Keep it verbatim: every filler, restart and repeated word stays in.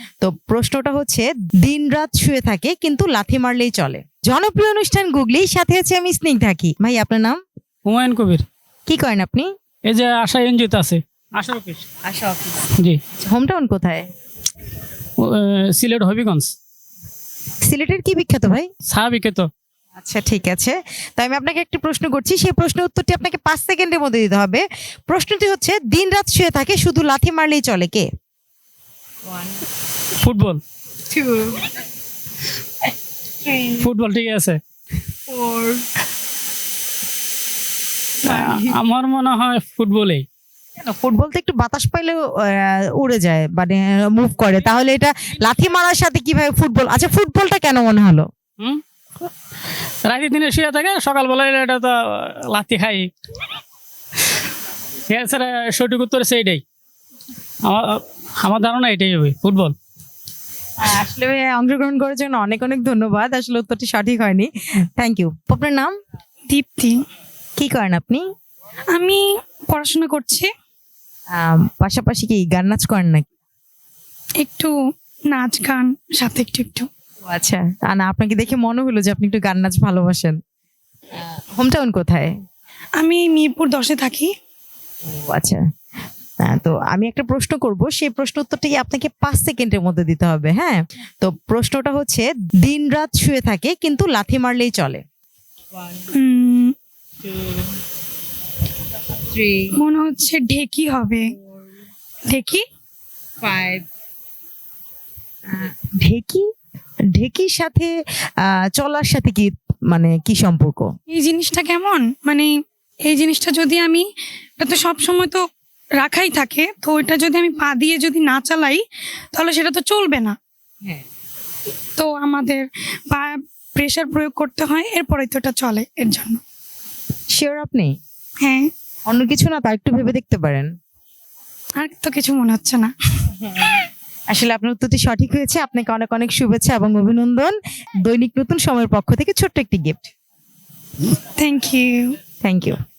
তো প্রশ্নটা হচ্ছে দিন রাত শুয়ে থাকে কিন্তু লাথি মারলেই চলে। জনপ্রিয় অনুষ্ঠান গুগলি, সাথে আছে আমি স্নিগ্ধাকি। ভাই আপনার নাম? হুমায়ুন কবির। কি করেন আপনি? এই যে আশা এনজিওতে আছে, আশা অফিস। আশা অফিস। জি। হোম টাউন কোথায়? ও, আহ, সিলেট হবিগঞ্জ। সিলেটের কি বিখ্যাত ভাই? চা বিখ্যাত। আচ্ছা ঠিক আছে, তাই আমি আপনাকে একটি প্রশ্ন করছি, সেই প্রশ্নের উত্তরটি আপনাকে পাঁচ সেকেন্ডের মধ্যে দিতে হবে। প্রশ্নটি হচ্ছে দিন রাত শুয়ে থাকে শুধু লাথি মারলেই চলে, কে? ফুটবল। ফুটবল ঠিক আছে। আ- আমার মনে হয় ফুটবলেই। ফুটবল তো একটু বাতাস পাইলেও আহ, উড়ে যায়, মানে মুভ করে, তাহলে এটা লাথি মারার সাথে কিভাবে ফুটবল? আচ্ছা ফুটবলটা কেন মনে হলো? হুম রাতে দিনে শুয়ে থাকে, সকালবেলা এলে এটা তো লাথি খাই। এছাড়া সঠিক উত্তর সেইটাই। আমার আমার ধারণা এটাই হবে, ফুটবল। আসলে ভাই, অংশগ্রহণ করার জন্য অনেক অনেক ধন্যবাদ। আসলে উত্তরটি সঠিক হয়নি। Thank you. আপনার নাম? দীপ্তি। কি করেন আপনি? আমি পড়াশোনা করছি, আম, পাশাপাশি কি গান নাচ করেন নাকি? একটু নাচ গান সাথে একটু একটু। ও আচ্ছা, তা না, আপনাকে দেখে মনে হলো যে আপনি একটু গান নাচ ভালোবাসেন। হোম টাউন কোথায়? আমি মিরপুর দশে থাকি। ও আচ্ছা। হ্যাঁ, তো আমি একটা প্রশ্ন করব, সেই প্রশ্ন উত্তরটি আপনাকে পাঁচ সেকেন্ডের মধ্যে দিতে হবে। হ্যাঁ, তো প্রশ্নটা হচ্ছে দিন রাত শুয়ে থাকে কিন্তু লাথি মারলেই চলে। উম, মনে হচ্ছে ঢেকি হবে। ঢেকি। ঢেকি? ঢেকির সাথে আহ, চলার সাথে কি, মানে কি সম্পর্ক? এই জিনিসটা কেমন, মানে এই জিনিসটা যদি আমি, এটা তো সব সময় তো রাখাই থাকে, তো ওইটা যদি আমি পা দিয়ে যদি না চালাই তাহলে সেটা তো চলবে না। তো আমাদের পা প্রেসার প্রয়োগ করতে হয়, এরপরে তো এটা চলে, এর জন্য। শিওর আপনি? হ্যাঁ। অন্য কিছু না, তার একটু ভেবে দেখতে পারেন। আর তো কিছু মনে হচ্ছে না। আসলে আপনার উত্তরটি সঠিক হয়েছে। আপনাকে অনেক অনেক শুভেচ্ছা এবং অভিনন্দন। দৈনিক নতুন সময়ের পক্ষ থেকে ছোট্ট একটি gift. Thank you. Thank you.